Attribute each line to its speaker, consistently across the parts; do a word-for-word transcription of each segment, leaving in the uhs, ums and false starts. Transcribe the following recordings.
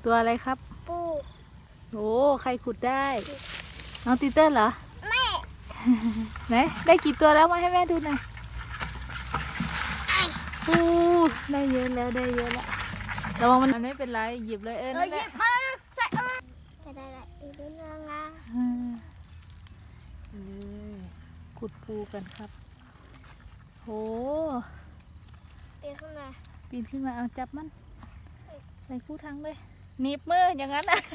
Speaker 1: ตัวอะไรครับ
Speaker 2: ปู
Speaker 1: โอ้ใครขุดได้น้องตีเติ้ลเหรอ
Speaker 2: แม่
Speaker 1: ไหนได้กี่ตัวแล้วมาให้แม่ดูหน่อยปูได้เยอะแล้วได้เยอะแล้วระวังมันไม่เป็นไรหยิบเลยเออนั่นแหละ
Speaker 2: ใส่เออจะได้ละอีกนิดนึงนะ
Speaker 1: ขุดปูกันครับโห
Speaker 2: ปีนขึ้นมา
Speaker 1: ปีนขึ้นมาเอาจับมันใส่คู่ทั้งเลยหนีบมืออย่างนั้นนะ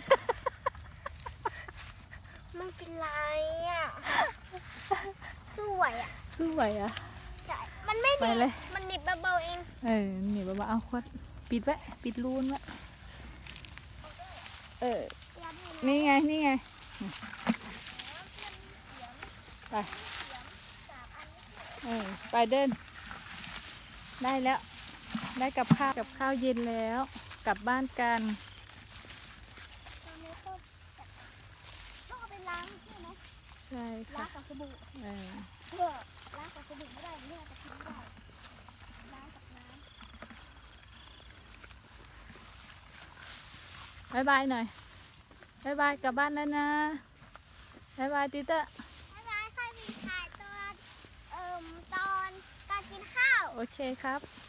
Speaker 2: ไม่เป็นไรอ่ะสู้ไหวอ่ะ
Speaker 1: สู้ไหวอ่ะ
Speaker 2: ใช่มันไม่หนีบมันหนีบเบาๆเอง
Speaker 1: เออหนีบเบาๆเอาควัดปิดไว้ปิดรูนไว้เออนี่ไงนี่ไงไปเออไปเดินได้แล้วได้กับข้าวกับข้าวเย็นแล้วกลับบ้านกัน
Speaker 2: ต้องเอาไปล้างใช่ไหม
Speaker 1: ใช่ค่ะ
Speaker 2: ล้างกับสบู่
Speaker 1: เออ
Speaker 2: เออล้างกับสบู่ไม่ได้เนี่ยจะทิ้งได้ล้างกับน้
Speaker 1: ำบายบายหน่อยบายบายกลับบ้านแล้วนะบายบายติเตอร์
Speaker 2: บายบายค่ะมีถ่ายตอนเอ่มตอนการกินข้าว
Speaker 1: โอเคครับ